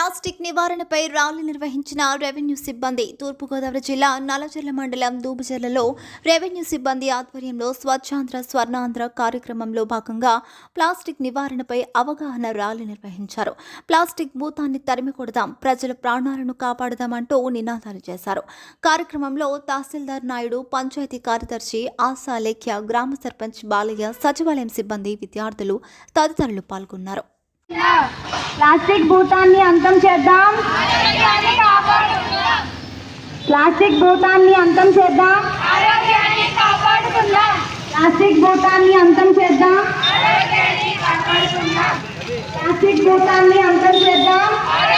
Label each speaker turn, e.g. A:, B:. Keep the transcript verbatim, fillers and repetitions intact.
A: Plastic నివారణపై rally నిర్వహించిన revenue సిబ్బంది. తూర్పుగోదావరి జిల్లా నల్లజర్ల మండలం దూబజర్లలో రెవెన్యూ సిబ్బంది ఆధ్వర్యంలో స్వచ్ఛాంధ్ర స్వర్ణాంధ్ర కార్యక్రమంలో భాగంగా ప్లాస్టిక్ నివారణపై అవగాహన ర్యాలీ నిర్వహించారు. ప్లాస్టిక్ భూతాన్ని తరిమి కొడదాం, ప్రజల ప్రాణాలను కాపాడదామంటూ నినాదాలు చేశారు. కార్యక్రమంలో తహసీల్దార్ నాయుడు, పంచాయతీ కార్యదర్శి ఆశా లేఖ్య, గ్రామ సర్పంచ్ బాలయ్య, సచివాలయం సిబ్బంది, విద్యార్థులు తదితరులు పాల్గొన్నారు.
B: ప్లాస్టిక్ భూతాన్ని అంతం చేద్దాం. ప్లాస్టిక్ భూతాన్ని అంతం చేద్దాం. ప్లాస్టిక్ భూతాన్ని అంతం చేద్దాం. ప్లాస్టిక్ భూతాన్ని అంతం చేద్దాం.